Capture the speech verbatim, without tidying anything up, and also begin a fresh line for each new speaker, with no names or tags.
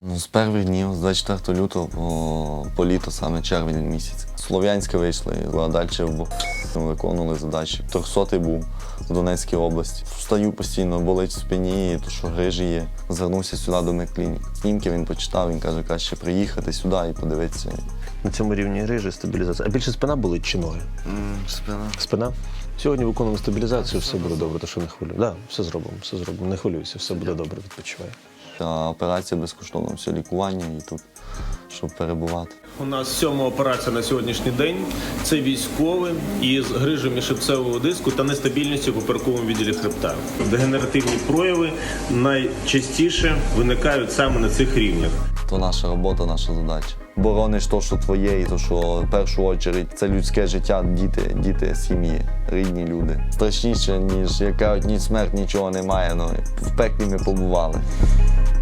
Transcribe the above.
Ну, з перших днів, з двадцять четвертого лютого по, по літо, саме червень місяць. З Слов'янська вийшли, а далі виконували задачі. трьохсотий був в Донецькій області. Встаю постійно, болить в спині, то що грижі є. Звернувся сюди до медклінік. Знімки він почитав, він каже, краще приїхати сюди і подивитися.
На цьому рівні грижі, стабілізація. А більше спина болить чи ноги?
Mm, спина.
Спина? Сьогодні виконуємо стабілізацію, все буде добре, то що не хвилюй. Так, да, все зробимо, все зробимо. Не хвилюйся, все буде добре, відпочивай.
Та операція безкоштовна, все лікування і тут, щоб перебувати.
У нас сьома операція на сьогоднішній день. Це військовий із грижем міжхребцевого диску та нестабільністю в поперековому відділі хребта. Дегенеративні прояви найчастіше виникають саме на цих рівнях.
То наша робота, наша задача. Борониш то, що твоє, і то, що в першу чергу це людське життя, діти, діти, сім'ї, рідні люди. Страшніше, ніж яка ні смерть, нічого немає, але в пеклі ми побували.